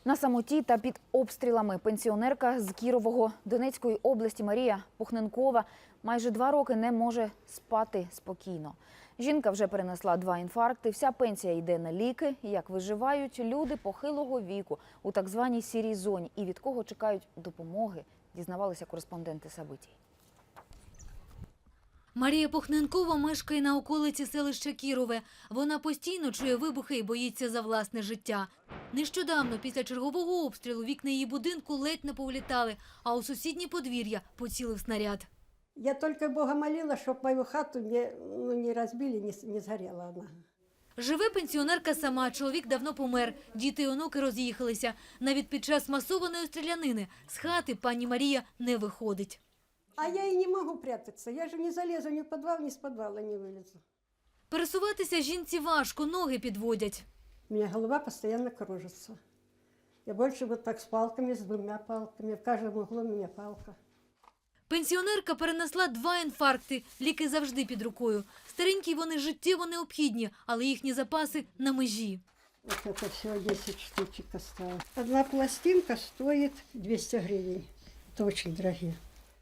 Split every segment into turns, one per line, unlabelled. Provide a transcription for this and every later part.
На самоті та під обстрілами пенсіонерка з Кірового Донецької області Марія Пухненкова майже 2 роки не може спати спокійно. Жінка вже перенесла 2 інфаркти, вся пенсія йде на ліки. Як виживають люди похилого віку у так званій сірій зоні і від кого чекають допомоги, дізнавалися кореспонденти Сабитій.
Марія Пухненкова мешкає на околиці селища Кірове. Вона постійно чує вибухи і боїться за власне життя. Нещодавно, після чергового обстрілу, вікна її будинку ледь не повлітали, а у сусіднє подвір'я поцілив снаряд.
Я только Бога молила, чтобы мою хату не разбили, не сгорела она.
Живе пенсіонерка сама, чоловік давно помер, діти і онуки роз'їхалися. Навіть під час масованої стрілянини з хати пані Марія не виходить.
А я и не могу прятаться, я же не залезу ни в подвал, ни с подвала не вылезу.
Пересуватися жінці важко, ноги підводять.
У меня голова постоянно кружится. Я больше вот так с палками, с 2 палками, в каждом углу у меня палка.
Пенсіонерка перенесла 2 інфаркти, ліки завжди під рукою. Старенькі вони життєво необхідні, але їхні запаси на межі.
Вот это всего 10 штучек осталось. Одна пластинка стоит 200 гривен. Это очень дорогие.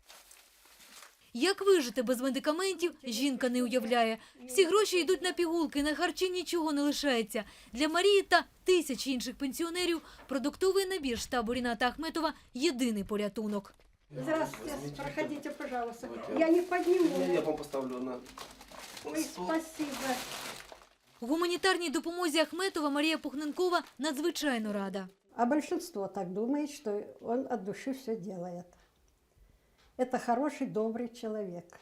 Як вижити без медикаментів, жінка не уявляє. Всі гроші йдуть на пігулки, на харчі нічого не лишається. Для Марії та тисяч інших пенсіонерів продуктовий набір штабу Ріната Ахметова – єдиний порятунок.
Здравствуйте, проходите, пожалуйста. Я не подниму.
Я вам поставлю на...
Ой, спасибо.
Гуманітарній допомозі Ахметова Марія Пухненкова надзвичайно рада.
А большинство так думает, что он от души все делает. Это хороший, добрый человек.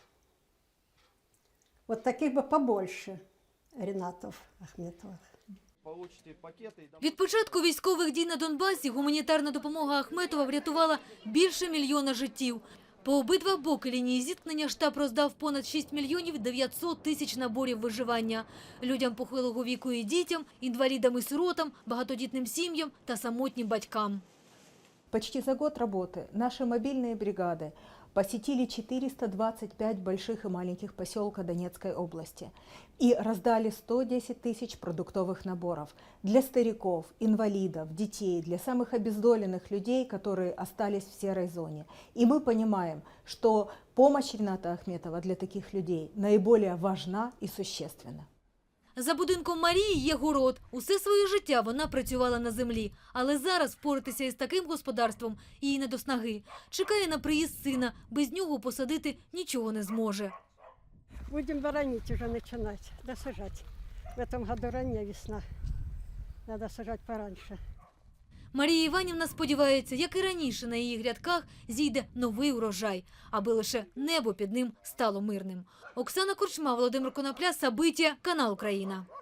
Вот таких бы побольше Ринатов Ахметовых.
Получите пакети.
Від початку військових дій на Донбасі гуманітарна допомога Ахметова врятувала більше 1 мільйона життів. По обидва боки лінії зіткнення штаб роздав понад 6 мільйонів 900 тисяч наборів виживання. Людям похилого віку і дітям, інвалідам і сиротам, багатодітним сім'ям та самотнім батькам.
Почти за год работы наши мобильные бригады посетили 425 больших и маленьких поселка Донецкой области и раздали 110 тысяч продуктовых наборов для стариков, инвалидов, детей, для самых обездоленных людей, которые остались в серой зоне. И мы понимаем, что помощь Рината Ахметова для таких людей наиболее важна и существенна.
За будинком Марії є город. Усе своє життя вона працювала на землі. Але зараз впоратися із таким господарством їй не до снаги. Чекає на приїзд сина. Без нього посадити нічого не зможе.
Будем воронить уже начинать, досажать. В этом году ранняя весна. Надо сажать пораньше.
Марія Іванівна сподівається, як і раніше на її грядках зійде новий урожай, аби лише небо під ним стало мирним. Оксана Корчма, Володимир Конопля, Сабиття, канал Україна.